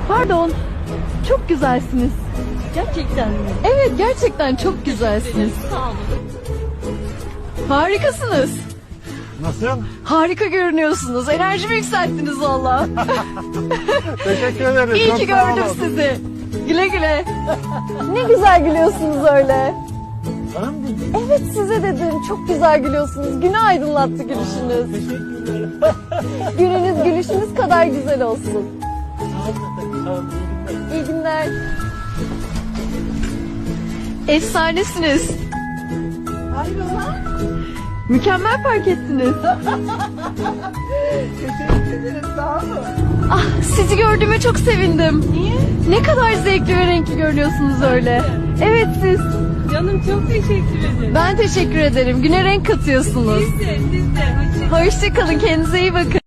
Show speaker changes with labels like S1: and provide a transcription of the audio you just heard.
S1: Pardon. Çok güzelsiniz.
S2: Gerçekten mi?
S1: Evet, gerçekten çok güzelsiniz.
S2: Sağ olun.
S1: Harikasınız.
S3: Nasıl?
S1: Harika görünüyorsunuz. Enerjimi yükselttiniz valla.
S3: Teşekkür ederim.
S1: İyi
S3: Çok
S1: ki
S3: sağ
S1: gördüm
S3: olun.
S1: sizi. Güle güle. Ne güzel gülüyorsunuz öyle.
S3: Bana mı dedin?
S1: Evet, size dedim. Çok güzel gülüyorsunuz. Günü aydınlattı gülüşünüz.
S3: Teşekkür ederim.
S1: Gününüz gülüşünüz kadar güzel olsun.
S3: Sağ olun. Sağ olun.
S1: İyi günler. Efsanesiniz.
S2: Hayrola?
S1: Mükemmel park ettiniz.
S2: Teşekkür ederim. Sağ olun.
S1: Ah, sizi gördüğüme çok sevindim.
S2: Niye?
S1: Ne kadar zevkli ve renkli görünüyorsunuz öyle. Evet, siz.
S2: Canım çok teşekkür ederim.
S1: Ben teşekkür ederim. Güne renk katıyorsunuz.
S2: Siz de. Hoşçakalın.
S1: Hoşçakalın. Kendinize iyi bakın.